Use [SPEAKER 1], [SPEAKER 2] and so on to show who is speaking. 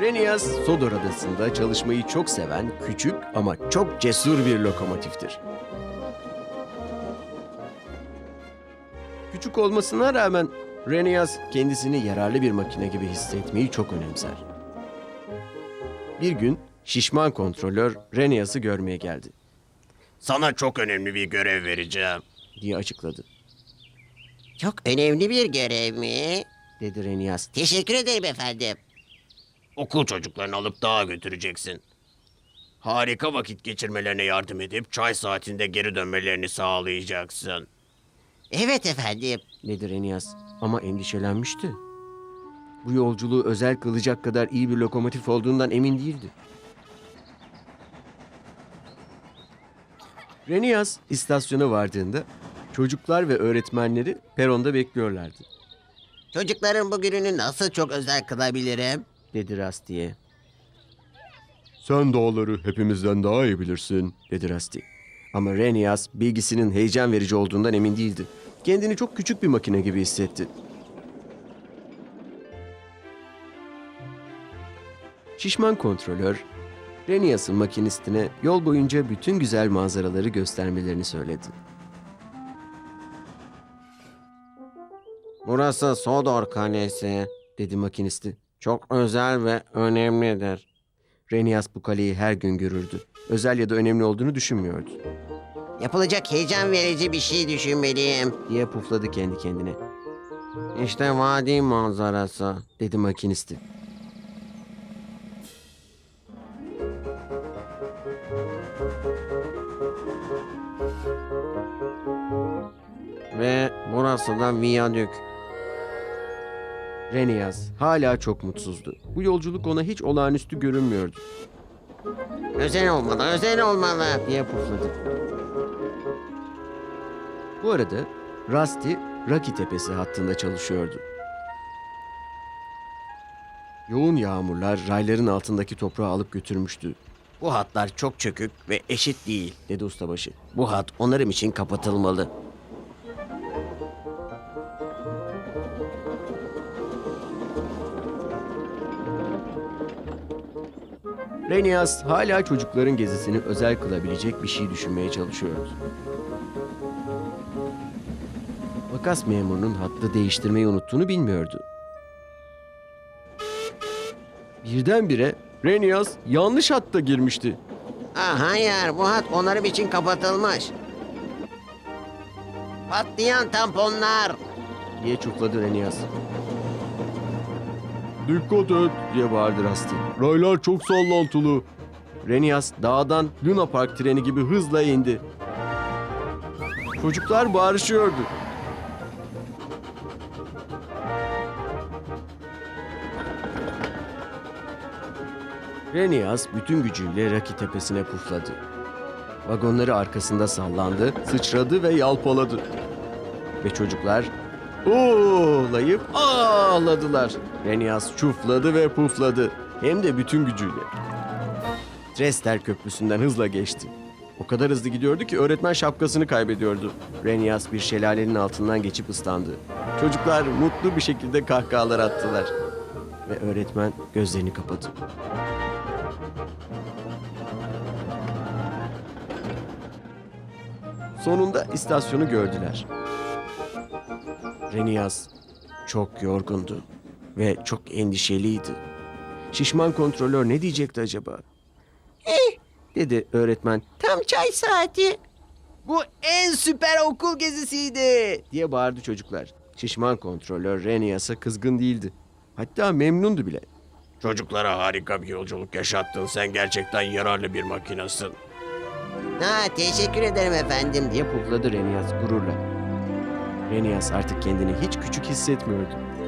[SPEAKER 1] Renias, Sodor Adası'nda çalışmayı çok seven, küçük ama çok cesur bir lokomotiftir. Küçük olmasına rağmen Renias kendisini yararlı bir makine gibi hissetmeyi çok önemser. Bir gün şişman kontrolör Renias'ı görmeye geldi
[SPEAKER 2] Sana çok önemli bir görev vereceğim.
[SPEAKER 1] diye açıkladı.
[SPEAKER 3] Çok önemli bir görev mi?
[SPEAKER 1] Dedi Renias.
[SPEAKER 3] Teşekkür ederim efendim.
[SPEAKER 2] Okul çocuklarını alıp dağa götüreceksin. Harika vakit geçirmelerine yardım edip çay saatinde geri dönmelerini sağlayacaksın.
[SPEAKER 3] Evet efendim.
[SPEAKER 1] Dedi Renias ama endişelenmişti. Bu yolculuğu özel kılacak kadar iyi bir lokomotif olduğundan emin değildi. Renias istasyona vardığında çocuklar ve öğretmenleri peronda bekliyorlardı,
[SPEAKER 3] Çocukların bugününü nasıl çok özel kılabilirim?
[SPEAKER 1] dedi Rusty'ye. Sen dağları hepimizden daha iyi bilirsin, dedi Rusty. Ama Renias bilgisinin heyecan verici olduğundan emin değildi. Kendini çok küçük bir makine gibi hissetti. Şişman kontrolör, Renias'ın makinistine yol boyunca bütün güzel manzaraları göstermelerini söyledi.
[SPEAKER 4] Burası Sodor Kalesi,
[SPEAKER 1] Dedi makinisti.
[SPEAKER 4] çok özel ve önemlidir.
[SPEAKER 1] Renias bu kaleyi her gün görürdü. Özel ya da önemli olduğunu düşünmüyordu,
[SPEAKER 3] Yapılacak heyecan verici bir şey düşünmeliyim.
[SPEAKER 1] diye pufladı kendi kendine.
[SPEAKER 4] İşte vadi manzarası.
[SPEAKER 1] Dedi makinisti.
[SPEAKER 4] Ve burası da viyadük.
[SPEAKER 1] Renias hala çok mutsuzdu. Bu yolculuk ona hiç olağanüstü görünmüyordu,
[SPEAKER 3] Özel olmalı, özel olmalı.
[SPEAKER 1] diye pufladı. Bu arada Rusty, Rocky Tepesi hattında çalışıyordu. Yoğun yağmurlar rayların altındaki toprağı alıp götürmüştü,
[SPEAKER 2] Bu hatlar çok çökük ve eşit değil.
[SPEAKER 1] dedi ustabaşı.
[SPEAKER 2] Bu hat onarım için kapatılmalı.
[SPEAKER 1] Renias hala çocukların gezisini özel kılabilecek bir şey düşünmeye çalışıyordu. Makas memurunun hattı değiştirmeyi unuttuğunu bilmiyordu. Birdenbire Renias yanlış hatta girmişti.
[SPEAKER 3] Hayır, bu hat onarım için kapatılmış. Patlayan tamponlar.
[SPEAKER 1] diye çufladı Renias. Dikkat et, diye bağırdı Rusty. Raylar çok sallantılı. Renias dağdan Luna Park treni gibi hızla indi. Çocuklar bağırışıyordu. Renias bütün gücüyle Rocky Tepesi'ne pufladı. Vagonları arkasında sallandı, sıçradı ve yalpaladı. Ve çocuklar "Oolayıp ağladılar. Renias çufladı ve pufladı. Hem de bütün gücüyle. Dresler Köprüsü'nden hızla geçti. O kadar hızlı gidiyordu ki öğretmen şapkasını kaybediyordu. Renias bir şelalenin altından geçip ıslandı. Çocuklar mutlu bir şekilde kahkahalar attılar. Ve öğretmen gözlerini kapadı. Sonunda istasyonu gördüler. Renias çok yorgundu ve çok endişeliydi. Şişman kontrolör ne diyecekti acaba? Dedi öğretmen.
[SPEAKER 3] Tam çay saati.
[SPEAKER 1] Bu en süper okul gezisiydi diye bağırdı çocuklar. Şişman kontrolör Renias'a kızgın değildi. Hatta memnundu bile.
[SPEAKER 2] Çocuklara harika bir yolculuk yaşattın. Sen gerçekten yararlı bir makinasın.
[SPEAKER 3] Teşekkür ederim efendim.
[SPEAKER 1] Diye pufladı Renias gururla. Renias artık kendini hiç küçük hissetmiyordu.